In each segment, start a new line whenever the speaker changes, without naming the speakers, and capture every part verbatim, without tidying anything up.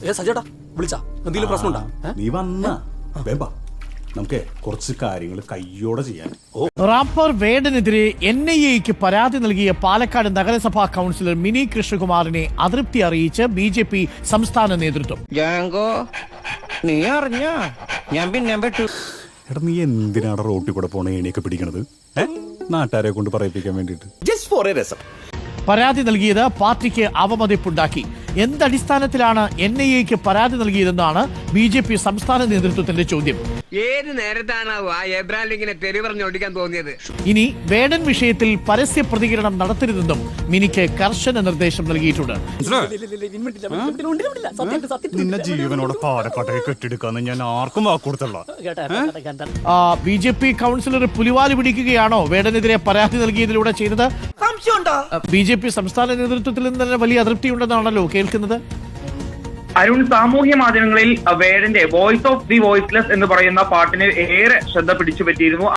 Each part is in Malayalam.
സജേട്ടാ വിളിച്ചാ എന്തെങ്കിലും പ്രശ്നമുണ്ടാ?
നീ വന്ന വേമ്പാ നമുക്ക് കുറച്ച് കാര്യങ്ങൾ കയ്യോടെ ചെയ്യാൻ.
റാപ്പർ വേടനെതിരെ എൻ ഐ എക്ക് പരാതി നൽകിയ പാലക്കാട് നഗരസഭാ കൗൺസിലർ മിനി കൃഷ്ണകുമാറിനെ അതൃപ്തി അറിയിച്ച് ബി ജെ പി സംസ്ഥാന നേതൃത്വം.
നീ അറിഞ്ഞ ഞാൻ പിന്നെ പെട്ടു.
എടാ നീ എന്തിനാണ് റോട്ടിൽ കൂടെ പോണ ഏണിയൊക്കെ പിടിക്കണത്? നാട്ടുകാരെ കൊണ്ട് പറയിപ്പിക്കാൻ വേണ്ടിട്ട്.
പരാതി നൽകിയത് പാർട്ടിക്ക് അവമതിപ്പുണ്ടാക്കി. എന്തടിസ്ഥാനത്തിലാണ് എൻ ഐ എക്ക് പരാതി നൽകിയതെന്നാണ് ബി ജെ പി സംസ്ഥാന നേതൃത്വത്തിന്റെ ചോദ്യം.
ഏത് നേരത്താണ് ആ എബ്രാഹിം ലിങ്കിനെ തെറി പറഞ്ഞോടിക്കാൻ തോന്നിയത്?
ഇനി വേടൻ വിഷയത്തിൽ പരസ്യ പ്രതികരണം നടത്തരുതെന്നും മിനിക്ക് കർശന നിർദ്ദേശം നൽകിയിട്ടുണ്ട്.
നിന്നെ ജീവനോടെ പാലക്കാട്ടെ കെട്ടിയെടുക്കാന്ന് ഞാൻ ആർക്കും വാക്കുകൊടുത്തല്ല.
ബി ജെ പി കൗൺസിലർ പുലിവാല് പിടിക്കുകയാണോ വേടനെതിരെ പരാതി നൽകിയതിലൂടെ ചെയ്തത്? ബി ജെ പി സംസ്ഥാന നേതൃത്വത്തിൽ നിന്ന് തന്നെ വലിയ അതൃപ്തിയുണ്ടെന്നാണല്ലോ കേൾക്കുന്നത്.
അരുൺ, സാമൂഹ്യ മാധ്യമങ്ങളിൽ വേടന്റെ വോയിസ് ഓഫ് ദി വോയിസ്ലെസ് എന്ന് പറയുന്ന പാട്ടിന് ഏറെ ശ്രദ്ധ പിടിച്ചു പറ്റിയിരുന്നു.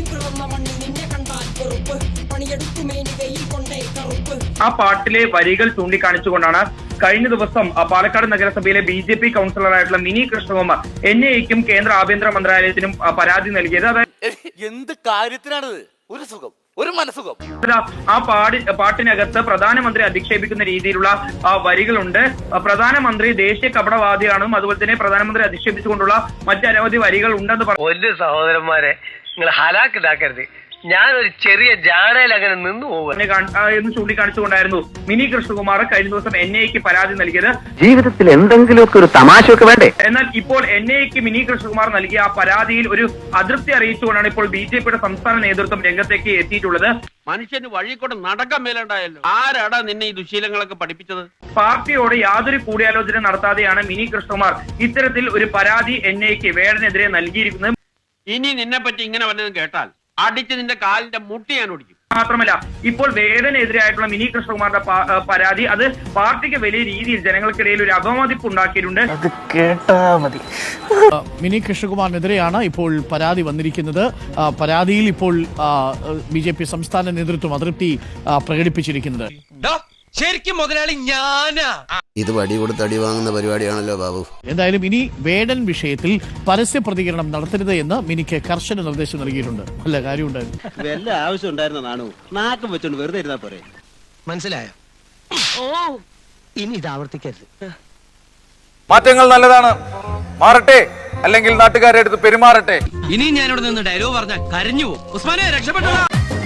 ആ പാട്ടിലെ വരികൾ ചൂണ്ടിക്കാണിച്ചുകൊണ്ടാണ് കഴിഞ്ഞ ദിവസം പാലക്കാട് നഗരസഭയിലെ ബി ജെ പി കൗൺസിലറായിട്ടുള്ള മിനി കൃഷ്ണകുമാർ എൻ ഐ എക്കും കേന്ദ്ര ആഭ്യന്തര മന്ത്രാലയത്തിനും പരാതി നൽകിയത്. അതായത്
എന്ത് കാര്യത്തിനാണിത്? ഒരു സുഖം, ഒരു മനസുഖം.
ആ പാടി പാട്ടിനകത്ത് പ്രധാനമന്ത്രി അധിക്ഷേപിക്കുന്ന രീതിയിലുള്ള വരികളുണ്ട്. പ്രധാനമന്ത്രി ദേശീയ കപടവാദിയാണെന്നും അതുപോലെ തന്നെ പ്രധാനമന്ത്രി അധിക്ഷേപിച്ചുകൊണ്ടുള്ള മറ്റനവധി വരികൾ ഉണ്ടെന്ന് പറഞ്ഞു.
സഹോദരന്മാരെ, നിങ്ങൾ ഹലാക്കിതാക്കരുത്. ഞാനൊരു ചെറിയ ജാടയിൽ അങ്ങനെ നിന്നു പോകും
എന്ന് ചൂണ്ടിക്കാണിച്ചുകൊണ്ടായിരുന്നു മിനി കൃഷ്ണകുമാർ കഴിഞ്ഞ ദിവസം എൻ ഐക്ക് പരാതി നൽകിയത്.
ജീവിതത്തിൽ എന്തെങ്കിലുമൊക്കെ ഒരു തമാശയൊക്കെ വേണ്ടേ?
എന്നാൽ ഇപ്പോൾ എൻ ഐക്ക് മിനി കൃഷ്ണകുമാർ നൽകിയ ആ പരാതിയിൽ ഒരു അതൃപ്തി അറിയിച്ചുകൊണ്ടാണ് ഇപ്പോൾ ബി ജെ പിയുടെ സംസ്ഥാന നേതൃത്വം രംഗത്തേക്ക് എത്തിയിട്ടുള്ളത്.
മനുഷ്യന് വഴി കൂടെ നടക്കാൻ മേലുണ്ടായല്ലോ. ആരാടാ നിന്നെ ഈ ദുശീലങ്ങളൊക്കെ പഠിപ്പിച്ചത്?
പാർട്ടിയോട് യാതൊരു കൂടിയാലോചന നടത്താതെയാണ് മിനി കൃഷ്ണകുമാർ ഇത്തരത്തിൽ ഒരു പരാതി എൻ ഐക്ക് വേടനെതിരെ നൽകിയിരിക്കുന്നത്.
ഇനി നിന്നെ പറ്റി ഇങ്ങനെ വല്ലതും കേട്ടാൽ അടിച്ച് നിന്റെ കാലിന്റെ മുട്ടി ഞാൻ ഒടിക്കും.
മാത്രമല്ല, ഇപ്പോൾ വേടനെതിരായിട്ടുള്ള മിനി കൃഷ്ണകുമാറിന്റെ പരാതി അത് പാർട്ടിക്ക് വലിയ രീതിയിൽ ജനങ്ങൾക്കിടയിൽ ഒരു അപമതിപ്പ് ഉണ്ടാക്കിയിട്ടുണ്ട്.
മിനി കൃഷ്ണകുമാറിനെതിരെയാണ് ഇപ്പോൾ പരാതി വന്നിരിക്കുന്നത്. പരാതിയിൽ ഇപ്പോൾ ബി ജെ പി സംസ്ഥാന നേതൃത്വം അതൃപ്തി പ്രകടിപ്പിച്ചിരിക്കുന്നത്.
ശരിക്കും മുതലാളി ഞാനാ.
ഇത് വടി കൊടുത്ത് അടി വാങ്ങുന്ന പരിപാടിയാണല്ലോ ബാബു.
എന്തായാലും ഇനി വേടൻ വിഷയത്തിൽ പരസ്യ പ്രതികരണം നടത്തരുത് എന്ന് മിനിക്ക് കർശന നിർദ്ദേശം നൽകിയിട്ടുണ്ട്. നല്ല കാര്യമുണ്ടായിരുന്നു.
വല്ല ആവശ്യം ഉണ്ടായിരുന്ന നാണു നാക്കം വെച്ചോണ്ട് വെറുതെ ഇരുന്നാ പോരെ.
മനസ്സിലായോ? ഓ, ഇനി ഇത് ആവർത്തിക്കരുത്.
മാറ്റങ്ങൾ നല്ലതാണ്, മാറട്ടെ, അല്ലെങ്കിൽ നാട്ടുകാരെ അടുത്ത് പെരുമാറട്ടെ.
ഇനി ഞാനിവിടെ നിന്ന് ഡയലോഗ് പറഞ്ഞാൽ കരഞ്ഞു പോകും. ഉസ്മാനെ, രക്ഷപ്പെട്ടോ.